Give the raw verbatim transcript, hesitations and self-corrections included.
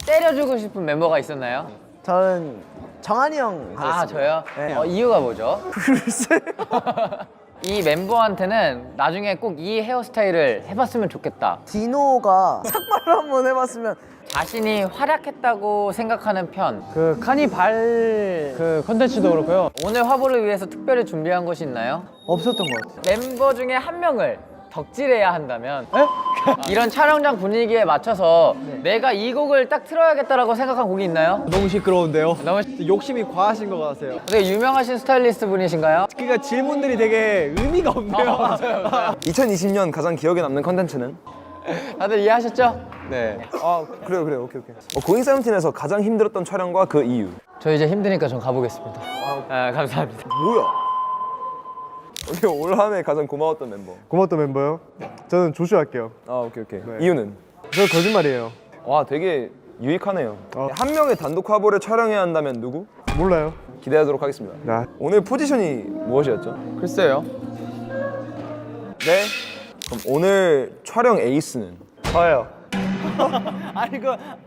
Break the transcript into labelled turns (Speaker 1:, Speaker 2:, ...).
Speaker 1: 때려주고 싶은 멤버가 있었나요?
Speaker 2: 저는 정한이 형
Speaker 1: 아, 저요?
Speaker 2: 네.
Speaker 1: 어, 이유가 뭐죠?
Speaker 2: 글쎄요.
Speaker 1: 이 멤버한테는 나중에 꼭 이 헤어스타일을 해봤으면 좋겠다.
Speaker 2: 디노가 삭발을 한번 해봤으면.
Speaker 1: 자신이 활약했다고 생각하는 편.
Speaker 3: 그 카니발 그 컨텐츠도 그렇고요.
Speaker 1: 오늘 화보를 위해서 특별히 준비한 것이 있나요?
Speaker 2: 없었던 것 같아요.
Speaker 1: 멤버 중에 한 명을 덕질해야 한다면 이런 촬영장 분위기에 맞춰서 내가 이 곡을 딱 틀어야겠다라고 생각한 곡이 있나요?
Speaker 3: 너무 시끄러운데요.
Speaker 1: 너무
Speaker 3: 욕심이 과하신 것 같아요.
Speaker 1: 되게 유명하신 스타일리스트 분이신가요?
Speaker 3: 그러니까 질문들이 되게 의미가 없네요.
Speaker 1: 맞아요, 맞아요.
Speaker 4: 이천이십 년 가장 기억에 남는 컨텐츠는?
Speaker 1: 다들 이해하셨죠?
Speaker 4: 네. 아 그래요 그래요 오케이 오케이. 어, 고잉 세븐틴에서 가장 힘들었던 촬영과 그 이유.
Speaker 1: 저 이제 힘드니까 전 가보겠습니다. 아, 감사합니다.
Speaker 4: 뭐야? 오케이 올 한해 가장 고마웠던 멤버.
Speaker 5: 고맙던 멤버요? 저는 조슈 할게요.
Speaker 4: 아 오케이 오케이. 이유는?
Speaker 5: 저 거짓말이에요.
Speaker 4: 와 되게 유익하네요.
Speaker 5: 어.
Speaker 4: 한 명의 단독 화보를 촬영해야 한다면 누구?
Speaker 5: 몰라요.
Speaker 4: 기대하도록 하겠습니다.
Speaker 5: 나
Speaker 4: 오늘 포지션이 무엇이었죠?
Speaker 1: 글쎄요.
Speaker 4: 네. 그럼 오늘 촬영 에이스는?
Speaker 5: 저요.
Speaker 3: 아니 그